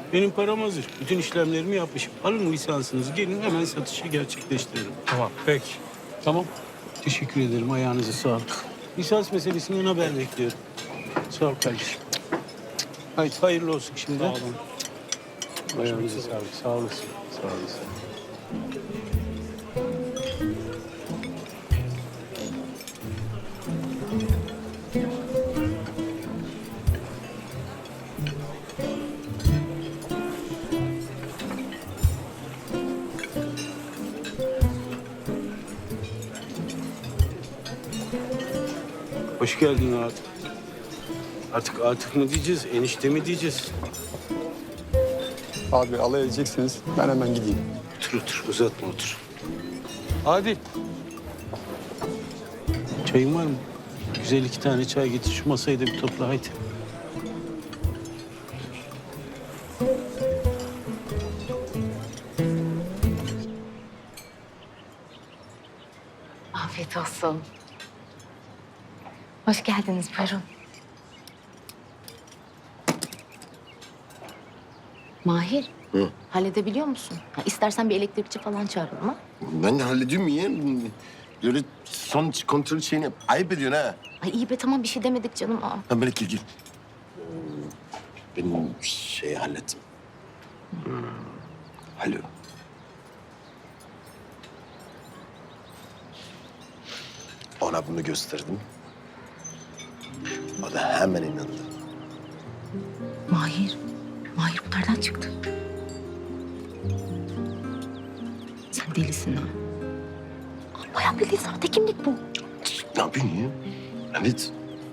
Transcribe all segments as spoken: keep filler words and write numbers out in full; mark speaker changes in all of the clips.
Speaker 1: Benim param hazır. Bütün işlemlerimi yapmışım. Alın lisansınızı, gelin hemen satışı gerçekleştirelim.
Speaker 2: Tamam, peki.
Speaker 1: Tamam. Teşekkür ederim. Ayağınıza sağlık. Lisans meselesinden haber bekliyorum. Sağ ol kardeşim. Haydi hayırlı olsun şimdi.
Speaker 2: Sağ olun.
Speaker 1: Ayağınıza sağlık. Sağ olasın. Sağ olasın. Hoş geldin Atıf. Artık Atıf mı diyeceğiz, enişte mi diyeceğiz?
Speaker 3: Abi alay edeceksiniz. Ben hemen gideyim.
Speaker 1: Otur otur, uzatma otur. Hadi. Çayın var mı? Güzel iki tane çay getir, şu masayı da bir topla haydi.
Speaker 4: Afiyet olsun. Hoş geldiniz, buyurun. Mahir,
Speaker 5: Hı.
Speaker 4: halledebiliyor musun? Ha, istersen bir elektrikçi falan çağıralım ha?
Speaker 5: Ben de hallediyorum ya. Böyle son kontrol şeyini yap. Ayıp ediyorsun ha.
Speaker 4: Ay iyi be tamam bir şey demedik canım. Aa.
Speaker 5: Ha böyle gel gel. Benim şeyi hallettim. Hmm. Alo. Ona bunu gösterdim. O da hemen inandı.
Speaker 4: Mahir, Mahir bu nereden çıktı? Sen delisin ha. Aa, bayağı bildiğin sahte kimlik bu.
Speaker 5: Ne yapıyorsun ya? Evet.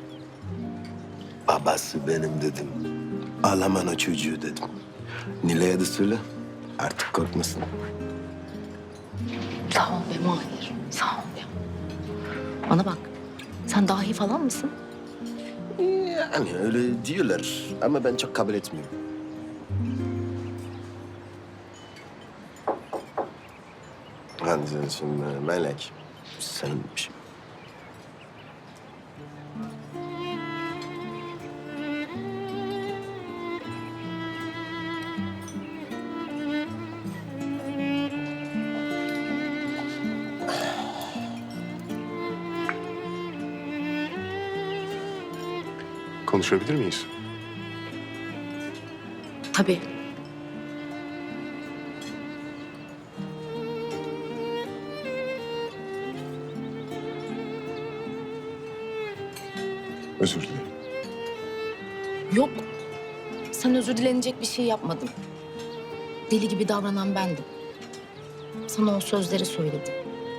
Speaker 5: Babası benim dedim. Ağlaman o çocuğu dedim. Nilay'a da söyle. Artık korkmasın.
Speaker 4: Sağ ol be Mahir, sağ ol be. Bana bak, sen dahi falan mısın?
Speaker 5: Yani öyle diyorlar ama ben çok kabul etmiyorum. Hadi şimdi Melek, senin bir şey.
Speaker 6: Konuşabilir miyiz?
Speaker 4: Tabii.
Speaker 6: Özür dilerim.
Speaker 4: Yok. Sen özür dilenecek bir şey yapmadın. Deli gibi davranan bendim. Sana o sözleri söyledim.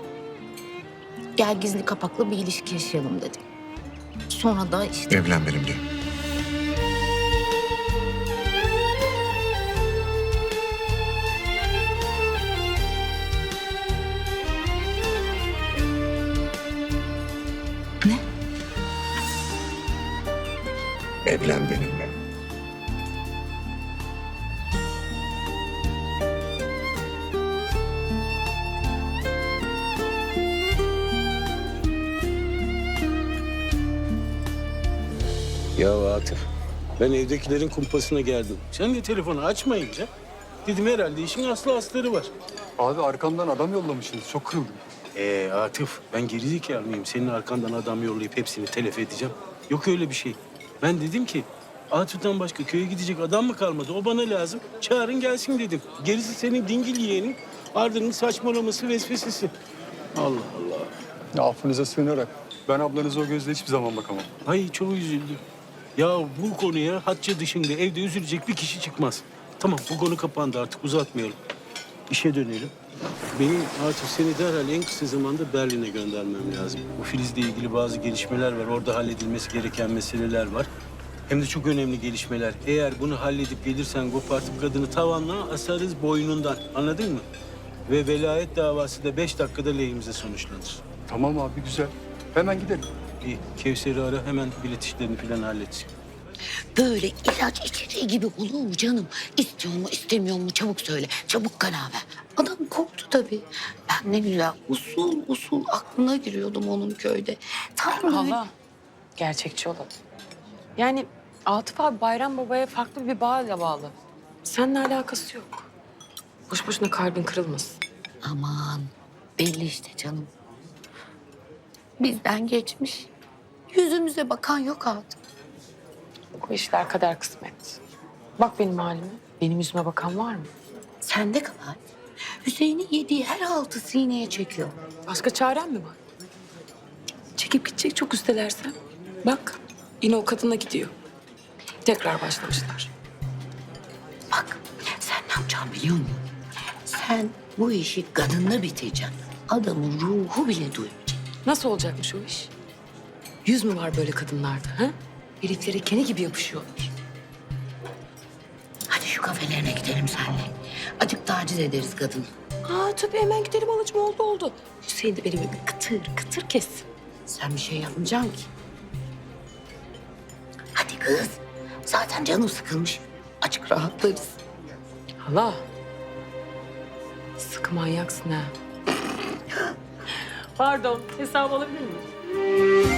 Speaker 4: Gel gizli kapaklı bir ilişki yaşayalım dedim. Sonra da işte...
Speaker 6: Evlen benimle.
Speaker 4: Ne?
Speaker 6: Evlen benimle.
Speaker 1: Ya Atıf, ben evdekilerin kumpasına geldim. Sen de telefonu açmayınca dedim herhalde işin aslı astarı var.
Speaker 3: Abi arkamdan adam yollamışsınız. Çok kırıldım.
Speaker 1: Ee Atıf, ben gerizekalı mıyım? Senin arkandan adam yollayıp hepsini telef edeceğim. Yok öyle bir şey. Ben dedim ki Atıf'tan başka köye gidecek adam mı kalmadı? O bana lazım. Çağırın gelsin dedim. Gerisi senin dingil yeğenin. Arda'nın saçmalaması vesvesesi. Allah Allah.
Speaker 3: Ya affınıza sığınarak ben ablanıza o gözle hiçbir zaman bakamam.
Speaker 1: Ay çok üzüldüm. Ya bu konuya hatça dışında evde üzülecek bir kişi çıkmaz. Tamam bu konu kapandı artık uzatmayalım. İşe dönelim. Benim artık seni derhal en kısa zamanda Berlin'e göndermem lazım. Bu Filiz'le ilgili bazı gelişmeler var. Orada halledilmesi gereken meseleler var. Hem de çok önemli gelişmeler. Eğer bunu halledip gelirsen kopartıp kadını tavanla asarız boynundan. Anladın mı? Ve velayet davası da beş dakikada lehimize sonuçlanır.
Speaker 3: Tamam abi güzel. Hemen gidelim.
Speaker 1: İyi, Kevser'i ara hemen bilet işlerini falan halletsin.
Speaker 7: Böyle ilaç içeceği gibi olur mu canım? İstiyor mu istemiyor mu çabuk söyle. Çabuk karar ver. Adam korktu tabii. Ben ne güzel usul usul aklına giriyordum onun köyde. Tam böyle...
Speaker 8: Hala gerçekçi olalım. Yani Atıf abi Bayram Baba'ya farklı bir bağla bağlı.
Speaker 2: Seninle alakası yok. Boş boşuna kalbin kırılmasın.
Speaker 7: Aman belli işte canım. Bizden geçmiş. Yüzümüze bakan yok artık.
Speaker 2: Bu işler kader kısmet. Bak benim halime. Benim yüzüme bakan var mı?
Speaker 7: Sende kabahat. Hüseyin'in yediği her altı sineye çekiyor.
Speaker 2: Başka çaren mi var? Çekip gidecek çok üstelersen. Bak yine o kadına gidiyor. Tekrar başlamışlar.
Speaker 7: Bak sen ne yapacaksın biliyor musun? Sen bu işi kadınla bitireceksin. Adamın ruhu bile duymayacak.
Speaker 2: Nasıl olacakmış o iş? Yüz mü var böyle kadınlarda ha? Heriflere kene gibi yapışıyorlar.
Speaker 7: Hadi şu kafelerine gidelim seninle. Acık taciz ederiz kadını.
Speaker 2: Aa tabii hemen gidelim alacım oldu oldu. Hüseyin de beni böyle kıtır kıtır kessin.
Speaker 7: Sen bir şey yapmayacaksın ki. Hadi kız. Zaten canım sıkılmış. Açık rahatlarız.
Speaker 2: Hala. Sıkı manyaksın ha. Pardon hesap alabilir miyim?